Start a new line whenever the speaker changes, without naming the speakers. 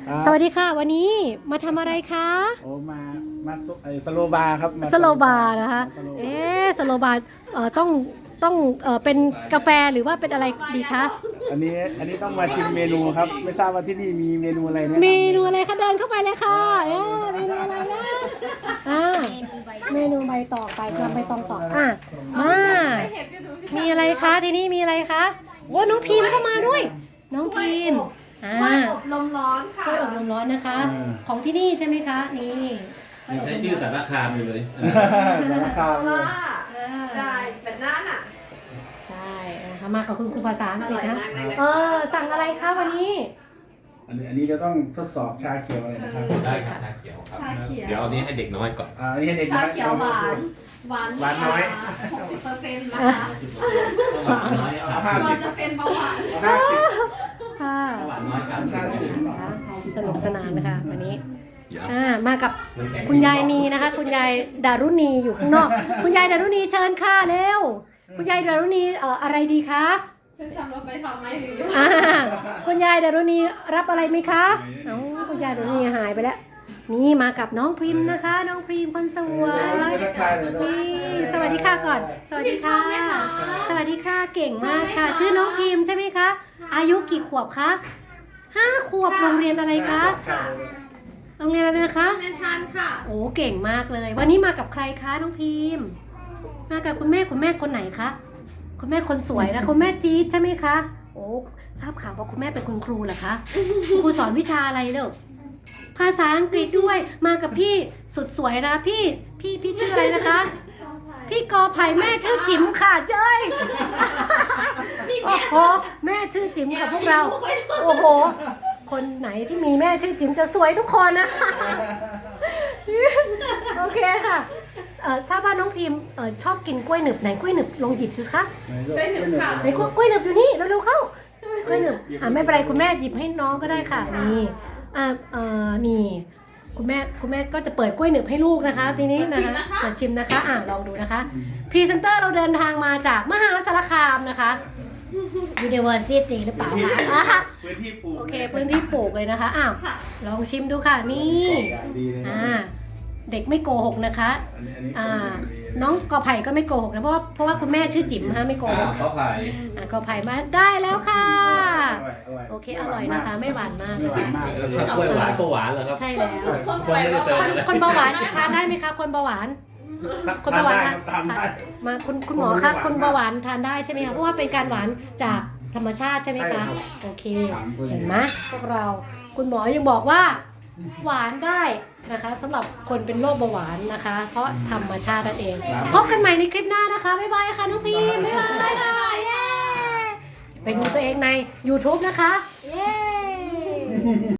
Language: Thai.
สวัสดีค่ะวันนี้มาทำอะไรคะ
โอ้มาสโลบาร์ครับ
สโลบาร์นะคะสโลบาร์ต้องเป็นกาแฟหรือว่าเป็นอะไรดีคะ
อันนี้ต้องมาชิมเมนูครับไม่ทราบว่าที่นี่มีเมนูอะไรแนะนำ
เมนูอะไรคะเดินเข้าไปเลยค่ะเมนูอะไรนะเมนูใบตองไปทำใบตองต่อมามีอะไรคะที่นี่มีอะไรคะโอ้น้องพิมพ์เข้ามาด้วย น้องพิมพ์
กล้วยอบลมร้อนค่ะ
กล้วยอบลมร้อนนะคะ ของที่นี่ใช่ไหมคะนี่
ยังใช้ชื่อแต่ราคาอยู่เลย
ราคา
ว่าได้แบบนั้นอ่ะ
ใช่นะคะมากับคุณครูภาษาอังกฤษนะ
อร่อยมากเลยนะ
สั่งอะไรคะวันนี้
อันนี้จะต้องทดสอบชาเขียวอะไรนะครับ
ได้ครับชาเขียวครับ
ชาเขียว
เดี๋ยวอันนี้ให้เด็กน้อยก่อน
อันนี้ให้เด็ก
ชาเขียวหวาน
น้อย
60%นะคะ
น้อยครับ
เราจะเป็นเบาหวาน
50
ค่ะ
หวานน้อยครับ
ชาเขียว
นะคะสนุกสนานนะคะวันนี้
เดี๋ยว
มากับคุณยายนีนะคะ คุณยายดารุณีอยู่ข้างนอก คุณยายดารุณีเชิญค่ะเร็วคุณยายดารุณีอะไรดีคะ
จะทำเราไปทำไหมหรือ
คุณยายดารุณีรับอะไรไหมคะคุณยายดารุณีหายไปแล้วนี่มากับน้องพริมนะคะ น้องพริมคนสวยนี่สวัสดีค่ะก่อน สวัสดีค่ะ สวัสดีค่ะเก่งมากค่ะ ชื่อน้องพิมใช่ไหมคะ อายุกี่ขวบคะ5 ขวบโรงเรียนอะไรคะโรงเรียนอะไรนะคะ
แม่ชันค่ะ
โอ้เก่งมากเลย วันนี้มากับใครคะน้องพิมมากับคุณแม่คนไหนคะคุณแม่คนสวยนะคุณแม่จี๊ดใช่ไหมคะโอ้ทราบข่าวว่าคุณแม่เป็นคุณครูเหรอคะครูสอนวิชาอะไรเด้อภาษาอังกฤษด้วยมากับพี่สุดสวยนะพี่ชื่ออะไรนะคะ พี่กอไผ่แม่ชื่อจิ๋มค่ะเจ้ยโอ้โหแม่ชื่อจิ๋มค่ะพวกเราโอ้โหคนไหนที่มีแม่ชื่อจิ๋มจะสวยทุกคนนะโอเคค่ะทราบว่าน้องพิมชอบกินกล้วยหนึบไหนกล้วยหนึบลองหยิบดูคะ
ได้หนึ่งค่ะ
ไหนกล้วยหนึบอยู่นี่เร็วๆเข้ากล้วยหนึบไม่เป็นไรคุณแม่หยิบให้น้องก็ได้ค่ะนี่นี่คุณแม่ก็จะเปิดกล้วยหนึบให้ลูกนะคะทีนี้นะคะมาชิมนะคะลองดูนะคะพรีเซนเตอร์เราเดินทางมาจากมหาสารคามนะคะ University หรือเปล่าคะ
พื้นที่ปลูก
โอเคพื้นที่ปลูกเลยนะคะลองชิมดูค่ะนี่
ดีเลยนะ
เด็กไม่โกหกนะคะ
อันนี้
น้องกอไผ่ก็ไม่โกหกนะเพราะว่าคุณแม่ชื่อจิ๋มฮะไม่โกหก
ข้าวไผ่
กอไผ่มาได้แล้วค่ะ
อร่อย
โอเคอร่อยนะคะไม่หวานมาก
ไม่หวานมาก
ถ้ากล้วยหวานก็หวานเหรอครับ
ใช่แล้ว
คนไม่ได้เติมเลย
คนเบาหวานทานได้ไหมคะคนเบาหวาน คนเบาหวาน
ทานได้
มาคุณหมอคะคนเบาหวานทานได้ใช่ไหมคะเพราะว่าเป็นการหวานจากธรรมชาติใช่ไหมคะโอเคเห็นไหมพวกเราคุณหมอยังบอกว่าหวานได้นะคะสำหรับคนเป็นโรคเบาหวานนะคะ เพราะธรรมชาตินั่นเองพบกันใหม่ในคลิปหน้านะคะบ๊ายบายค่ะน้องพีมบ๊ายบายค่ะเย้ไปดูตัวเองใน YouTube นะคะเย้